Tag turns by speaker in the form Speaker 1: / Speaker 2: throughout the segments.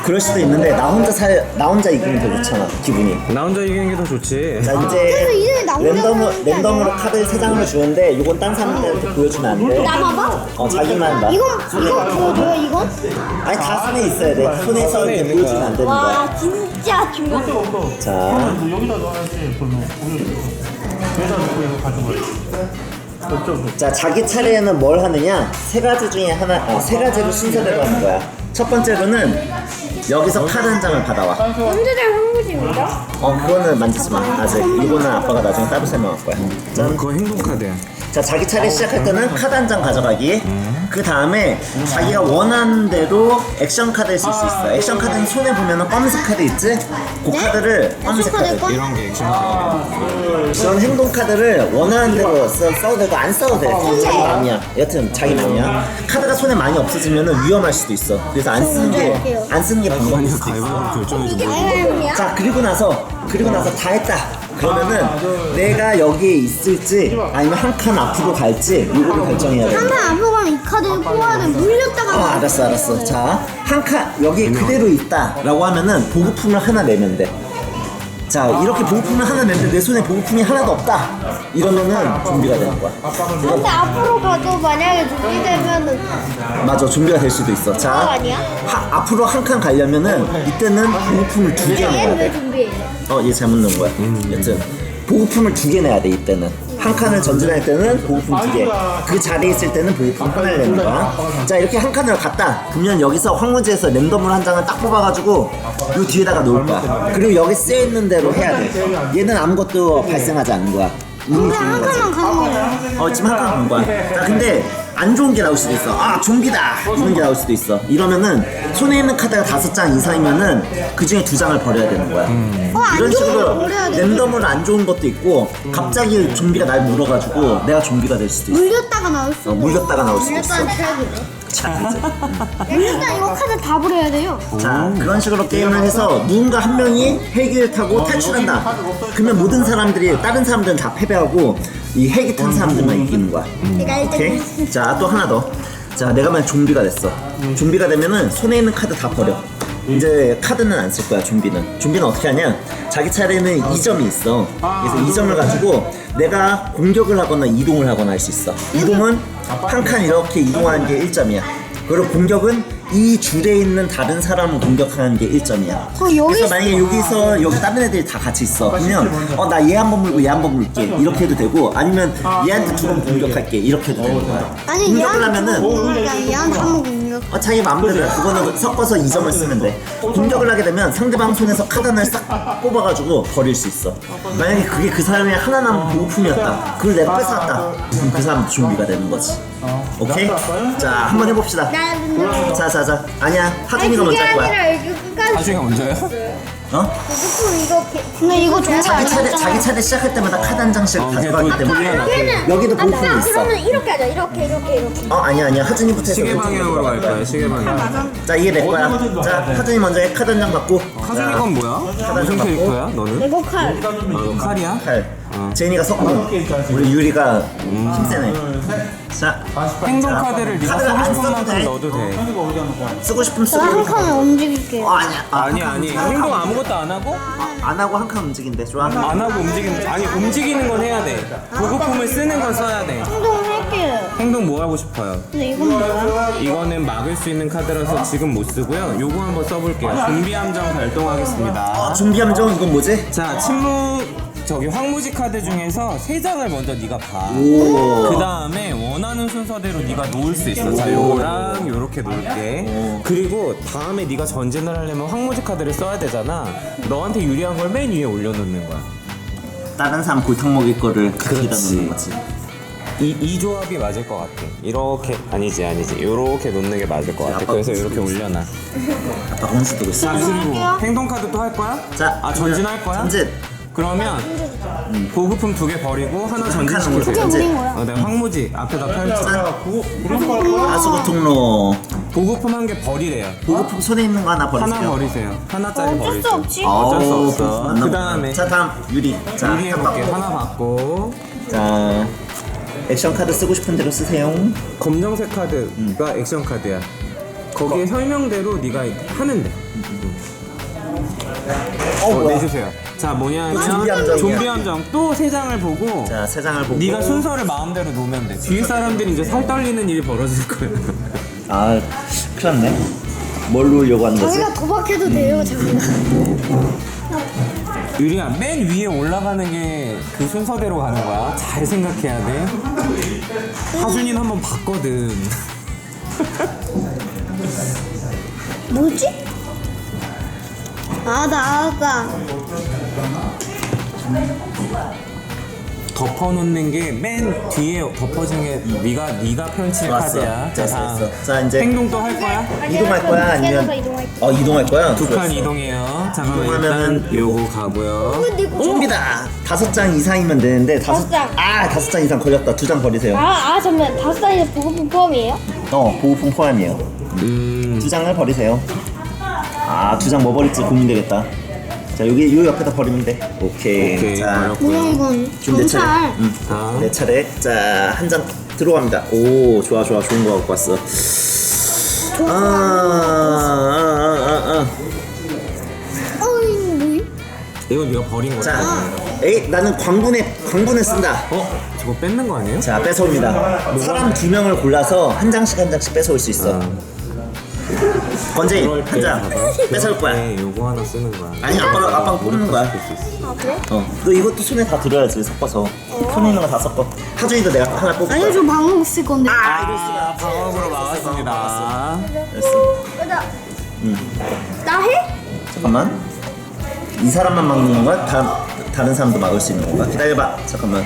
Speaker 1: 그럴 수도 있는데 나 혼자 이기면 더 좋잖아 기분이.
Speaker 2: 나 혼자 이기는 게 더 좋지.
Speaker 1: 자
Speaker 3: 그래서
Speaker 1: 이제
Speaker 3: 이제 나 혼자
Speaker 1: 랜덤으로 카드 3장을 주는데 이건 딴 사람들한테 보여주면 안 돼.
Speaker 3: 나봐봐.
Speaker 1: 자기만 봐.
Speaker 3: 이거 뭐야 이건?
Speaker 1: 아니 다 손에 있어야 돼. 손에서
Speaker 2: 손에
Speaker 1: 이렇게
Speaker 2: 있는
Speaker 1: 보여주면 안 되는 거야.
Speaker 3: 와 진짜 중요해.
Speaker 1: 자
Speaker 4: 여기다 넣어야지. 그러면 여기다 넣고 이거 가져가야지.
Speaker 1: 자 자기 차례에는 뭘 하느냐 세 가지 중에 세 가지로 순서대로 하는 거야. 첫 번째로는 여기서 카드 한 장을 받아와.
Speaker 3: 언제든 한국입니다.
Speaker 1: 그거는 만지지 마 아직. 이거는 아빠가 나중에 따로 설명할 거야. 짠.
Speaker 2: 그거 행동 카드야.
Speaker 1: 자 자기 차례 시작할 때는 카드 한 장 가져가기. 그 다음에 자기가 원하는 대로 액션 카드를 쓸 수 있어. 액션 카드는 손에 보면은 검은색 카드 있지? 그 카드를 검은색
Speaker 3: 카드
Speaker 1: 카드.
Speaker 3: 꺼?
Speaker 2: 이런 게 액션 카드.
Speaker 1: 이런 행동 카드를 원하는 대로 써도 되고 안 써도 돼. 자기 마음이야. 여튼 자기 마음이야. 카드가 손에 많이 없어지면은 위험할 수도 있어. 그래서 안 쓰는 게 방법일
Speaker 2: 아니야
Speaker 1: 수도 있어.
Speaker 2: 가위바위보 결정해줘.
Speaker 3: 이게 아이언이야?
Speaker 1: 자 그리고 나서 다 했다. 그러면은 내가 여기에 있을지 아니면 한 칸 앞으로 갈지 이거를 결정해야 돼.
Speaker 3: 한판 앞으로 가면 이 카드를 뽑아야 돼. 물렸다가
Speaker 1: 알았어. 자, 한 칸 여기 그대로 있다라고 하면은 보급품을 하나 내면 돼. 자, 이렇게 보급품을 하나 내는데 내 손에 보급품이 하나도 없다. 이러면은 좀비가 되는 거야.
Speaker 3: 근데 앞으로 가도 만약에 준비되면은
Speaker 1: 맞아, 좀비가 될 수도 있어. 자,
Speaker 3: 아니야?
Speaker 1: 앞으로 한 칸 가려면은 이때는 보급품을 2개 내야
Speaker 3: 얘는 왜
Speaker 1: 돼.
Speaker 3: 준비해?
Speaker 1: 얘 잘못 넣은 거야. 여튼 보급품을 2개 내야 돼 이때는. 한 칸을 전진할 때는 보급품 2개. 그 자리에 있을 때는 보급품 하나를 내는 거야. 자 이렇게 한 칸을 갔다. 그러면 여기서 황무지에서 랜덤으로 한 장을 딱 뽑아가지고 요 뒤에다가 놓을 거야. 그리고 여기 쓰여 있는 대로 해야 돼. 얘는 아무것도 발생하지 않는 거야. 운이
Speaker 3: 근데
Speaker 1: 주는
Speaker 3: 한
Speaker 1: 거지.
Speaker 3: 칸만 가는 거야.
Speaker 1: 지금 한 칸 간 거야. 자 근데 안 좋은 게 나올 수도 있어. 좀비다 이런 게 나올 수도 있어. 이러면은 손에 있는 카드가 5장 이상이면은 그 중에 2장을 버려야 되는 거야.
Speaker 3: 안
Speaker 1: 이런
Speaker 3: 좋은 거
Speaker 1: 식으로
Speaker 3: 버려야 돼.
Speaker 1: 랜덤으로 안 좋은 것도 있고 갑자기 좀비가 날 물어가지고 내가 좀비가 될 수도 있어.
Speaker 3: 물렸다가 나올 수도
Speaker 1: 물렸다가 나올 수도 있어.
Speaker 3: 물렸다는 최악이네.
Speaker 1: 자,
Speaker 3: 일단 이거 카드 다 버려야 돼요.
Speaker 1: 자 그런 식으로 게임을 해서 누군가 한 명이 헬기를 타고 탈출한다. 그러면 모든 사람들이 다른 사람들은 다 패배하고 이 헬기 탄 사람들만 이기는 거야.
Speaker 3: 내가 일단
Speaker 1: 오케이? 자 또 하나 더. 자 내가 만약 좀비가 됐어. 좀비가 되면은 손에 있는 카드 다 버려. 이제 카드는 안 쓸 거야. 좀비는 어떻게 하냐, 자기 차례는 2점이 있어. 그래서 2점을 가지고 내가 공격을 하거나 이동을 하거나 할 수 있어. 이동은 한 칸 이렇게 이동하는 게 1점이야. 그리고 공격은 이 줄에 있는 다른 사람을 공격하는 게 1점이야. 그래서 만약에 여기 다른 애들이 다 같이 있어. 그러면 나 얘 한 번 물고 얘 한 번 물게 이렇게 해도 되고, 아니면 얘한테 2번 공격할게 이렇게 해도 되는 거야.
Speaker 3: 아니
Speaker 1: 공격을 하면은
Speaker 3: 얘한테 한번 공격.
Speaker 1: 자기 마음대로 해. 그거는 섞어서 2점을 쓰면 돼. 공격을 하게 되면 상대방 손에서 카드 하나를 싹 뽑아가지고 버릴 수 있어. 만약에 그게 그 사람의 하나 남은 보급품이었다. 그걸 내가 뺏어왔다. 그럼 그 사람도 좀비가 되는 거지. 오케이? 자, 한번 해봅시다. 자. 아니야, 하준이가 먼저 할 거야.
Speaker 3: 아니라 이거 끝까지.
Speaker 2: 하중이가 먼저야?
Speaker 3: 보급품 이거 근데 이거 좋은 거
Speaker 1: 자기 차례 시작할 때마다 카드 한 장씩 가져가기 때문에 여기도 보급품이 있어.
Speaker 3: 그러면 이렇게 하자. 이렇게.
Speaker 1: 아니야. 하준이부터 해서.
Speaker 2: 시계 방향으로 갈 거야. 시계 방향.
Speaker 1: 자, 이게 내 거야. 자, 하준이 먼저 해. 카드 한 장 받고.
Speaker 2: 하준이 건 뭐야? 무슨 캐릭터야? 너는?
Speaker 3: 이거 칼.
Speaker 2: 너 칼이야?
Speaker 1: 칼. 제인이가 석궁. 우리 유리가 힘세네. 자,
Speaker 2: 행동 카드를 네가
Speaker 1: 카드를 안
Speaker 2: 쓰고 싶은
Speaker 1: 써도
Speaker 2: 만큼
Speaker 1: 돼.
Speaker 2: 넣어도 돼.
Speaker 1: 쓰고 싶으면 쓰고.
Speaker 3: 한 칸을 움직일게요.
Speaker 1: 아니야.
Speaker 2: 아니 행동 아무것도 안 하고
Speaker 1: 안 하고 한 칸 움직인대. 좋아.
Speaker 2: 안 하고 움직이는 건 해야 돼. 보급품을 쓰는 건 써야 돼.
Speaker 3: 행동할게요.
Speaker 2: 행동 뭐 하고 싶어요?
Speaker 3: 근데 이건 뭐야?
Speaker 2: 이거는 막을 수 있는 카드라서 지금 못 쓰고요. 요거 한번 써볼게요. 좀비 함정 발동하겠습니다.
Speaker 1: 좀비 함정 이건 뭐지?
Speaker 2: 자, 황무지 카드 중에서 3장을 먼저 네가 봐.
Speaker 1: 오.
Speaker 2: 그 다음에 원하는 순서대로 네가 놓을 수 있어. 자, 요거랑 요렇게 놓을게. 그리고 다음에 네가 전진을 하려면 황무지 카드를 써야 되잖아. 너한테 유리한 걸 맨 위에 올려놓는 거야.
Speaker 1: 다른 사람 골탕 먹일 거를 가져다 놓는 거지.
Speaker 2: 이 조합이 맞을 것 같아. 이렇게 아니지. 요렇게 놓는 게 맞을 것 같아. 그래서 이렇게 올려놔.
Speaker 1: 아빠 혼수 두고 있어.
Speaker 2: 그리고 행동 카드 또 할 거야?
Speaker 1: 자,
Speaker 2: 전진할 거야?
Speaker 1: 전진.
Speaker 2: 그러면 보급품 2개 버리고 하나 전진시키세요.
Speaker 1: 전진.
Speaker 2: 내가 황무지 앞에다 펼쳐.
Speaker 1: 아수구 통로.
Speaker 2: 보급품 1개 버리래요.
Speaker 1: 보급품 손에 있는 거 하나 버리세요.
Speaker 2: 하나 버리세요. 하나짜리
Speaker 3: 어쩔 수
Speaker 2: 버리세요.
Speaker 3: 없지.
Speaker 2: 어쩔 수
Speaker 1: 아우,
Speaker 2: 없어.
Speaker 1: 안
Speaker 2: 그
Speaker 1: 나와.
Speaker 2: 다음에
Speaker 1: 자, 다음 유리. 자,
Speaker 2: 유리 해볼게. 하나 받고
Speaker 1: 자, 액션 카드 쓰고 싶은 대로 쓰세요.
Speaker 2: 검정색 카드가 액션 카드야. 거기에 설명대로 네가 하면 돼.
Speaker 1: 뭐야.
Speaker 2: 내주세요. 자 뭐냐면
Speaker 1: 좀비 함정이야.
Speaker 2: 좀비 함정 또 3장을 보고
Speaker 1: 자, 세 장을 보고.
Speaker 2: 네가 순서를 마음대로 놓으면 돼. 뒤에 사람들이 이제 살 떨리는 일이 벌어질 거야.
Speaker 1: 아, 큰일 났네. 뭘 놓으려고 하는 거지?
Speaker 3: 자기가 도박해도 돼요, 자기가.
Speaker 2: 유리야, 맨 위에 올라가는 게 그 순서대로 가는 거야. 잘 생각해야 돼. 하준이는 한번 봤거든.
Speaker 3: 뭐지? 아, 나 알았다.
Speaker 2: 덮어놓는 게 맨 뒤에 덮어진 게 네가 펼칠
Speaker 1: 좋았어.
Speaker 2: 카드야.
Speaker 1: 됐어. 자, 이제
Speaker 2: 행동 또 할 거야?
Speaker 1: 이동할 거야? 아니면
Speaker 3: 이동할
Speaker 1: 이동할 거야?
Speaker 2: 두 칸
Speaker 1: 좋았어.
Speaker 2: 이동해요. 잠깐만
Speaker 1: 이동하면은
Speaker 2: 일단 요거 가고요.
Speaker 1: 좀비다. 5장 이상이면 되는데
Speaker 3: 다섯 장.
Speaker 1: 5장 이상 걸렸다. 2장 버리세요.
Speaker 3: 잠깐만. 5살이 보급품 포함이에요?
Speaker 1: 보호품 포함이에요. 2장을 버리세요. 2장 뭐 버릴지 고민되겠다. 자, 요 옆에다 버리면 돼. 오케이. 자,
Speaker 2: 버렸고요.
Speaker 3: 이건?
Speaker 1: 지금 내 차례.
Speaker 2: 자,
Speaker 1: 내 차례. 자, 한 장 들어갑니다. 오, 좋아. 좋은 거 갖고 왔어.
Speaker 3: 뭐이?
Speaker 2: 이건 네가 버린 거야.
Speaker 1: 자, 나는 광분에 쓴다.
Speaker 2: 저거 뺏는 거 아니에요?
Speaker 1: 자, 뺏어옵니다. 사람 2명을 골라서 한 장씩 뺏어올 수 있어. 건재인 한 장 뺏어올 거야.
Speaker 2: 네, 요거 하나 쓰는 거야.
Speaker 1: 아니, 아빠가 뽑는 거야.
Speaker 3: 아, 그래?
Speaker 1: 너 이것도 손에 다 들어야지, 섞어서. 손에 있는 거 다 섞어. 하준이도 내가 하나 뽑을
Speaker 3: 아니,
Speaker 1: 거야.
Speaker 3: 저 방금 쓸 건데.
Speaker 2: 방어구로 막았습니다.
Speaker 1: 됐어.
Speaker 3: 나 해?
Speaker 1: 잠깐만. 이 사람만 막는 건가? 다른 사람도 막을 수 있는 건가? 기다려봐. 잠깐만.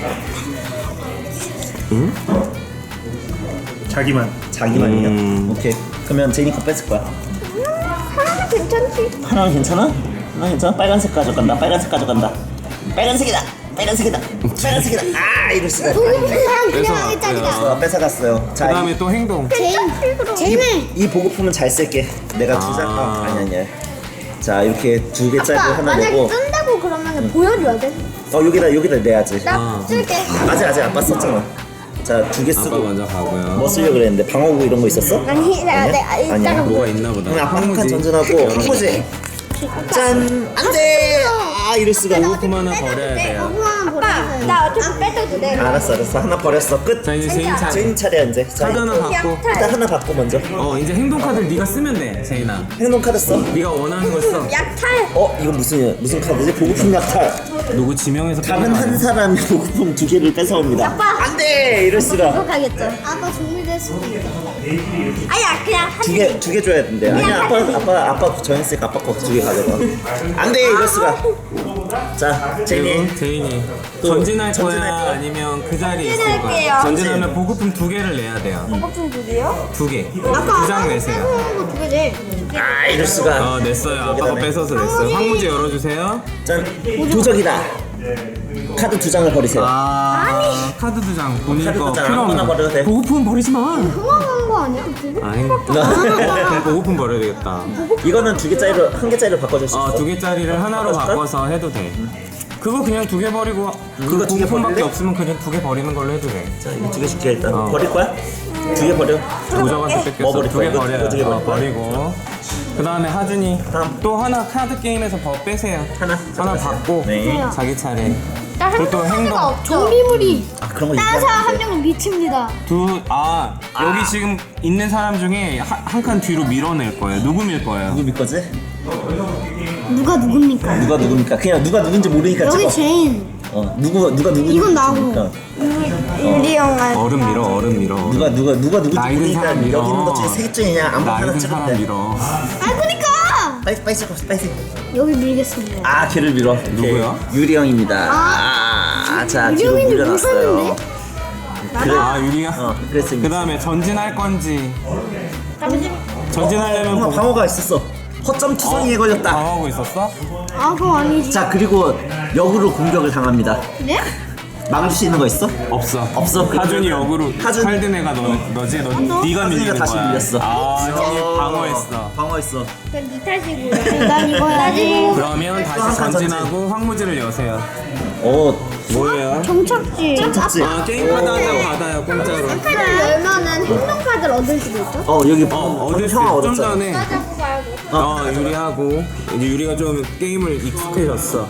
Speaker 1: 자기만이요? 오케이. 그러면 제니 거 뺏을 거야.
Speaker 3: 하나는 괜찮지?
Speaker 1: 하나는 괜찮아? 하나 괜찮아? 빨간색 가져간다. 빨간색이다. 이럴 수가.
Speaker 3: 보급품만 그냥
Speaker 2: 뺏어왔고요.
Speaker 3: 하겠다니까.
Speaker 1: 뺏어갔어요. 자,
Speaker 2: 그 다음에 또 행동.
Speaker 3: 쟤는
Speaker 1: 이 보급품은 잘 쓸게. 내가 2장 아니야. 자, 이렇게 2개짜리
Speaker 3: 아빠
Speaker 1: 하나
Speaker 3: 만약에
Speaker 1: 내고.
Speaker 3: 뜬다고 그러면 보여줘야 돼.
Speaker 1: 여기다 내야지.
Speaker 3: 나 쓸게.
Speaker 1: 아직 아빠 썼잖아. 자, 2개
Speaker 2: 아빠
Speaker 1: 쓰고.
Speaker 2: 먼저 가고요.
Speaker 1: 뭐 쓰려고 그랬는데 방어구 이런 거 있었어?
Speaker 3: 아니,
Speaker 1: 아니야?
Speaker 3: 이따가
Speaker 2: 뭐가 있나 보다.
Speaker 1: 그럼 아빠 한 칸
Speaker 2: 황무지.
Speaker 1: 전진하고 황무지. 짠! 안 돼! 이럴 수가.
Speaker 2: 보급품 하나 버려야 돼요.
Speaker 3: 아빠, 나 어차피 빼도 돼.
Speaker 1: 알았어. 하나 버렸어. 끝.
Speaker 2: 자, 이제 제인 차례.
Speaker 1: 제인 차례야 이제. 자,
Speaker 2: 카드 하나 받고.
Speaker 1: 일단 하나 받고 먼저.
Speaker 2: 이제 행동 카드를 네가 쓰면 돼, 제인아.
Speaker 1: 행동 카드 써.
Speaker 2: 네가 원하는 걸 써.
Speaker 3: 약탈.
Speaker 1: 이거 무슨 카드지? 보급품 약탈.
Speaker 2: 누구 지명해서
Speaker 1: 다른
Speaker 2: 빼는 거
Speaker 1: 한
Speaker 2: 아니야?
Speaker 1: 사람이 보급품 2개를 뺏어옵니다.
Speaker 3: 아빠.
Speaker 1: 안 돼! 이럴 수가.
Speaker 3: 가겠죠. 아빠 준비될 수도 있겠다. 아니야, 그냥
Speaker 1: 두 개 줘야 된대. 아니야, 아빠 정했으니까 아빠 거 2개 가져가. 안 돼! 이럴 수가. 자, 제니.
Speaker 2: 그리고 제인이
Speaker 1: 또
Speaker 2: 전진할
Speaker 1: 전진할
Speaker 2: 거야?
Speaker 1: 거야?
Speaker 2: 아니면 그 자리에 있을
Speaker 3: 전진할게요.
Speaker 2: 거야? 전진하면 보급품 2개를 내야 돼요.
Speaker 3: 보급품 2개요?
Speaker 2: 2개.
Speaker 3: 아까
Speaker 2: 2장 내세요.
Speaker 3: 거 2개지.
Speaker 1: 이럴 수가.
Speaker 2: 냈어요. 아빠가 뺏어서 냈어요. 황무지 열어주세요.
Speaker 1: 짠. 도적이다. 카드 2장을 버리세요.
Speaker 2: 카드 2장 본인
Speaker 1: 카드
Speaker 2: 거
Speaker 1: 두 장
Speaker 2: 필요
Speaker 1: 아무거나 버려도 돼.
Speaker 2: 없는 보급품 버리지 마.
Speaker 3: 흥황한 거 아니야?
Speaker 2: 아니 보급품 버려야 되겠다.
Speaker 1: 이거는 2개짜리로 1개짜리로 바꿔줄 수 있어.
Speaker 2: 2개짜리를 하나로
Speaker 1: 바꿔줄까?
Speaker 2: 바꿔서 해도 돼. 그거 그냥 2개 버리고
Speaker 1: 이거 두개
Speaker 2: 보급품밖에
Speaker 1: 버릴래?
Speaker 2: 없으면 그냥 2개 버리는 걸로 해도 돼.
Speaker 1: 자, 이거 2개 줄게 일단. 버릴 거야? 2개 버려.
Speaker 2: 도적한테 뺏겼어.
Speaker 1: 뭐 버릴
Speaker 2: 2개
Speaker 1: 거야? 이거
Speaker 2: 버려요.
Speaker 1: 두개 버릴 거야?
Speaker 2: 버리고. 그 다음에 하준이
Speaker 1: 다음.
Speaker 2: 또 하나 카드 게임에서 빼세요.
Speaker 1: 하나
Speaker 2: 받고
Speaker 1: 네.
Speaker 2: 자기 차례.
Speaker 3: 나
Speaker 2: 그리고 또 행동.
Speaker 3: 좀비물이
Speaker 1: 그런 거
Speaker 3: 다른
Speaker 1: 얘기하면
Speaker 3: 사람
Speaker 1: 안
Speaker 3: 한
Speaker 1: 돼.
Speaker 3: 명은 미칩니다.
Speaker 2: 여기 지금 있는 사람 중에 한 칸 뒤로 밀어낼 거예요. 누구 밀 거예요?
Speaker 1: 누구 믿 거지?
Speaker 3: 누가 누굽니까?
Speaker 1: 누가 누굽니까? 그냥 누가 누군지 모르니까
Speaker 3: 여기
Speaker 1: 찍어.
Speaker 3: 제인.
Speaker 1: 누가 누군지
Speaker 3: 이건 나고.
Speaker 1: 모르니까.
Speaker 3: 유리 형아.
Speaker 2: 얼음 밀어.
Speaker 1: 누가 누군지
Speaker 2: 나이 든
Speaker 1: 모르니까
Speaker 2: 사람 밀어.
Speaker 1: 여기 있는 것 중에 셋 중이냐 아무거나
Speaker 2: 나이
Speaker 1: 하나
Speaker 2: 든
Speaker 1: 찍으면
Speaker 2: 사람
Speaker 1: 돼.
Speaker 2: 밀어.
Speaker 3: 그니까.
Speaker 1: 빨리 찍어 빨리.
Speaker 3: 여기 밀겠습니다.
Speaker 1: 걔를 밀어.
Speaker 2: 누구야?
Speaker 1: 유리 형입니다. 자, 뒤로
Speaker 3: 유리 형인데
Speaker 1: 밀려났어요.
Speaker 3: 무섭는데?
Speaker 1: 그래.
Speaker 2: 유리야.
Speaker 1: 그랬습니다.
Speaker 2: 그 다음에 전진할 건지. 전진하려면
Speaker 1: 방어가 있었어. 허점 투성이에 걸렸다.
Speaker 2: 방어하고 있었어?
Speaker 3: 그거 아니지.
Speaker 1: 자, 그리고 역으로 공격을 당합니다.
Speaker 3: 그래?
Speaker 1: 막을 수 있는 거 있어?
Speaker 2: 없어.
Speaker 1: 없어.
Speaker 2: 하준이 역으로
Speaker 1: 하준.
Speaker 2: 칼든 애가 너지? 네가
Speaker 1: 하준이가
Speaker 2: 밀리는
Speaker 1: 다시
Speaker 2: 거야.
Speaker 1: 밀렸어.
Speaker 2: 형이 방어했어.
Speaker 1: 방어했어.
Speaker 3: 그건 네 탓이고. 난 이거 해야지.
Speaker 2: 그러면 다시
Speaker 1: 한 칸
Speaker 2: 전진하고 황무지를 여세요. 뭐예요?
Speaker 3: 정착지.
Speaker 1: 찾지?
Speaker 2: 아 게임 카드 한 장 받아요 공짜로.
Speaker 3: 카드를 열면은 행동 카드를 얻을 수도 있어?
Speaker 1: 여기
Speaker 2: 얻을 수
Speaker 1: 형아
Speaker 2: 있어. 좀
Speaker 1: 얻었잖아.
Speaker 2: 전에
Speaker 3: 잡고 가야 돼.
Speaker 2: 유리하고 이제 유리가 좀 게임을 익숙해졌어.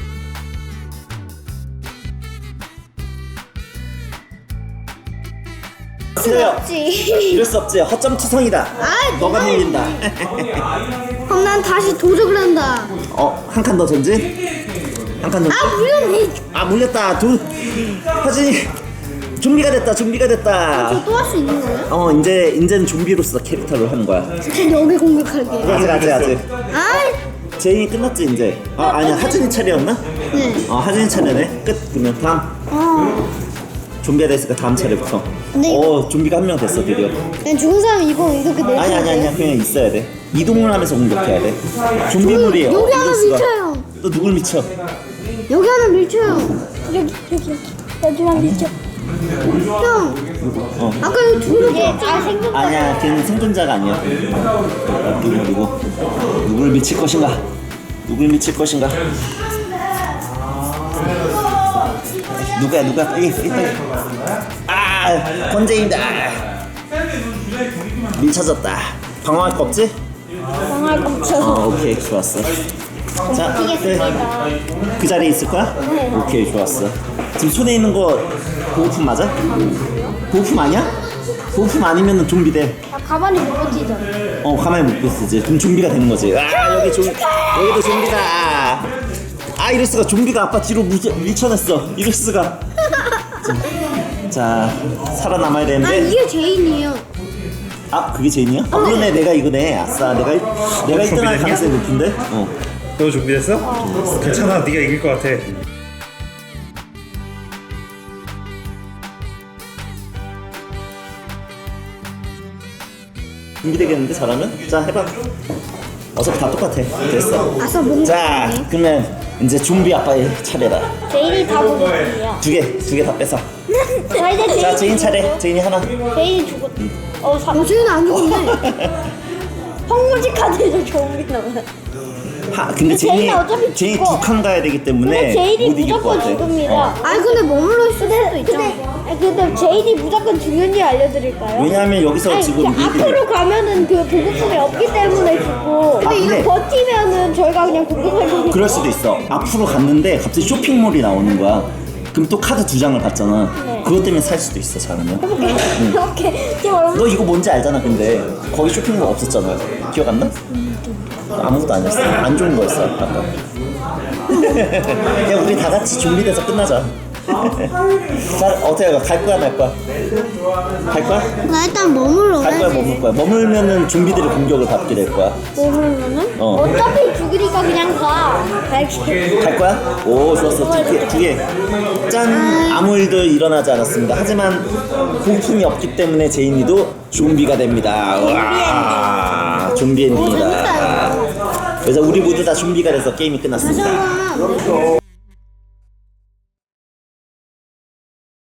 Speaker 1: 없지. 이럴 수 없지. 허점 투성이다. 너가 밀린다.
Speaker 3: 그럼 난 다시 도적을 한다.
Speaker 1: 한 칸 더 전진. 한 칸 더.
Speaker 3: 물론
Speaker 1: 물렸다. 하진이 좀비가 됐다. 좀비가 됐다.
Speaker 3: 또 할 수 있는 거예요?
Speaker 1: 이제는 좀비로서 캐릭터를 하는 거야.
Speaker 3: 여기 공격할게.
Speaker 1: 아직.
Speaker 3: 아,
Speaker 1: 제인이 끝났지 이제. 아니야 하진이 차례였나?
Speaker 3: 네.
Speaker 1: 하진이 차례네. 끝. 그러면 다음. 좀비가 됐으니까 다음 차례부터.
Speaker 3: 근데
Speaker 1: 좀비가 한 명 됐어 드디어.
Speaker 3: 그냥 죽은 사람이 이거 이렇게 내려.
Speaker 1: 아니야 그냥 있어야 돼. 이동을 하면서 공격해야 돼. 좀비물이에요.
Speaker 3: 여기 하나
Speaker 1: 이럴 수가.
Speaker 3: 밀쳐요.
Speaker 1: 또 누굴 미쳐?
Speaker 3: 여기 하나 밀쳐요. 여기 하나 밀쳐. 형, 아까 이거 둘을 생겼다.
Speaker 1: 아니야 걔는 생존자가 아니야. 누구 누굴 미칠 것인가? 누굴 미칠 것인가? 누가 빨리 권재인다. 밀쳐졌다. 방어할 거 없지?
Speaker 3: 망할 거 없어.
Speaker 1: 오케이 좋았어. 자, 그 자리에 있을 거야?
Speaker 3: 네.
Speaker 1: 오케이 좋았어. 지금 손에 있는 거 보호품 맞아? 보호품 아니야? 보호품 아니면 좀비 돼.
Speaker 3: 가만히 못 버티잖아.
Speaker 1: 가만히 못 있지. 그럼 좀비가 되는 거지. 여기도 좀비다. 이럴 수가. 좀비가 아빠 뒤로 밀쳐냈어. 이럴 수가. 자, 살아남아야 되는데.
Speaker 3: 이게 제인이에요.
Speaker 1: 그게 제인이야? 그러네. 내가 이거네. 아싸. 내가 1등 할 가능성이 높은데?
Speaker 4: 너 준비됐어? 괜찮아, 네가 이길 것 같아.
Speaker 1: 준비되겠는데 잘하면? 자 해봐. 어차피 다 똑같아. 됐어.
Speaker 3: 아싸 뭔
Speaker 1: 자 그러면 이제 좀비 아빠의 차례다.
Speaker 3: 제인이 다 먹었어요.
Speaker 1: 두 개 다 뺏어.
Speaker 3: 자 이제
Speaker 1: 자 제인 차례. 제인이 하나.
Speaker 3: 제인이 죽었. 제인은 안 죽었네. 황무지 카드에서 좀비 나와.
Speaker 1: 근데
Speaker 3: 제인은 어차피
Speaker 1: 제인이
Speaker 3: 죽어.
Speaker 1: 두 칸 가야 되기 때문에
Speaker 3: 근데 제인이
Speaker 1: 못 이길 것
Speaker 3: 무조건
Speaker 1: 같아.
Speaker 3: 죽습니다. 아니 근데 머물러 있을 수도 있잖아. 근데 제인이 무조건 죽는지 알려드릴까요?
Speaker 1: 왜냐하면 여기서 지금
Speaker 3: 앞으로 가면은 그 보급품이 없기 때문에 죽고. 근데
Speaker 1: 근데-
Speaker 3: 이거 버티면은 저희가 그냥 공격할
Speaker 1: 그럴 수도 있어. 앞으로 갔는데 갑자기 쇼핑몰이 나오는 거야. 그럼 또 카드 2장을 받잖아.
Speaker 3: 네.
Speaker 1: 그것 때문에 살 수도 있어 잘하면.
Speaker 3: 이렇게 지금 얼마?
Speaker 1: 너 이거 뭔지 알잖아. 근데 거기 쇼핑몰 없었잖아. 기억 안 나? 아무것도 아니었어. 안 좋은 거였어 아까. 그냥 우리 다 같이 준비돼서 끝나자. 자 어떻게 갈 거야 말 거야? 갈 거야?
Speaker 3: 나 일단 머물러.
Speaker 1: 갈 거야 머물 거야? 머물면은 좀비들의 공격을 받게 될 거야.
Speaker 3: 머물면은?
Speaker 1: 어.
Speaker 3: 어차피 죽으니까 그냥 가. 갈게.
Speaker 1: 갈 거야? 오 좋았어. 두 개. 짠. 아무 일도 일어나지 않았습니다. 하지만 보품이 없기 때문에 제인이도 좀비가 됩니다. 와 좀비 엔딩이다. 그래서 우리 모두 다 좀비가 돼서 게임이 끝났습니다.
Speaker 3: 다시 한 번만.